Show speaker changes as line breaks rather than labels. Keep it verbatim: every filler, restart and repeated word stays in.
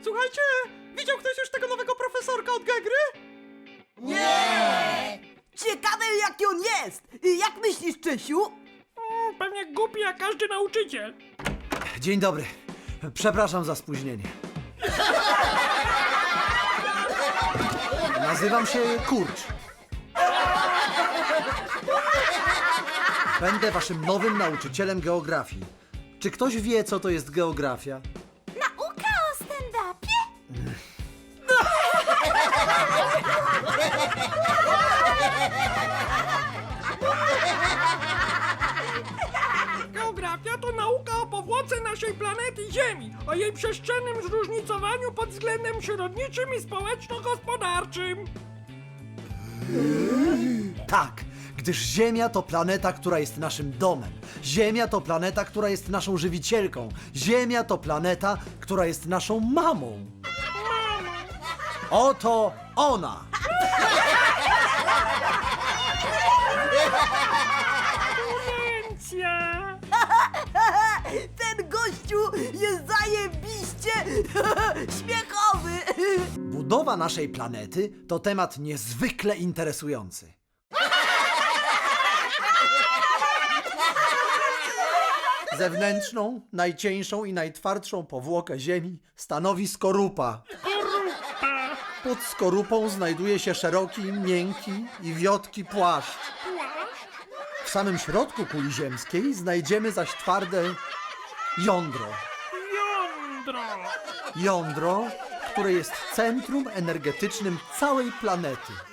Słuchajcie, widział ktoś już tego nowego profesorka od Gegry?
Nie! Ciekawe jaki on jest! Jak myślisz, Czesiu?
Mm, pewnie głupi jak każdy nauczyciel.
Dzień dobry. Przepraszam za spóźnienie. Nazywam się Kurcz. Będę waszym nowym nauczycielem geografii. Czy ktoś wie, co to jest geografia?
Nauka o stand-upie?
Geografia to nauka o powłoce naszej planety Ziemi, o jej przestrzennym zróżnicowaniu pod względem przyrodniczym i społeczno-gospodarczym.
Tak, gdyż Ziemia to planeta, która jest naszym domem. Ziemia to planeta, która jest naszą żywicielką. Ziemia to planeta, która jest naszą mamą. Oto ona!
Demencja!
Ten gościu jest zajebiście śmiechowy!
Budowa naszej planety to temat niezwykle interesujący. Zewnętrzną, najcieńszą i najtwardszą powłokę Ziemi stanowi skorupa. Pod skorupą znajduje się szeroki, miękki i wiotki płaszcz. W samym środku kuli ziemskiej znajdziemy zaś twarde jądro.
Jądro!
Jądro, które jest centrum energetycznym całej planety.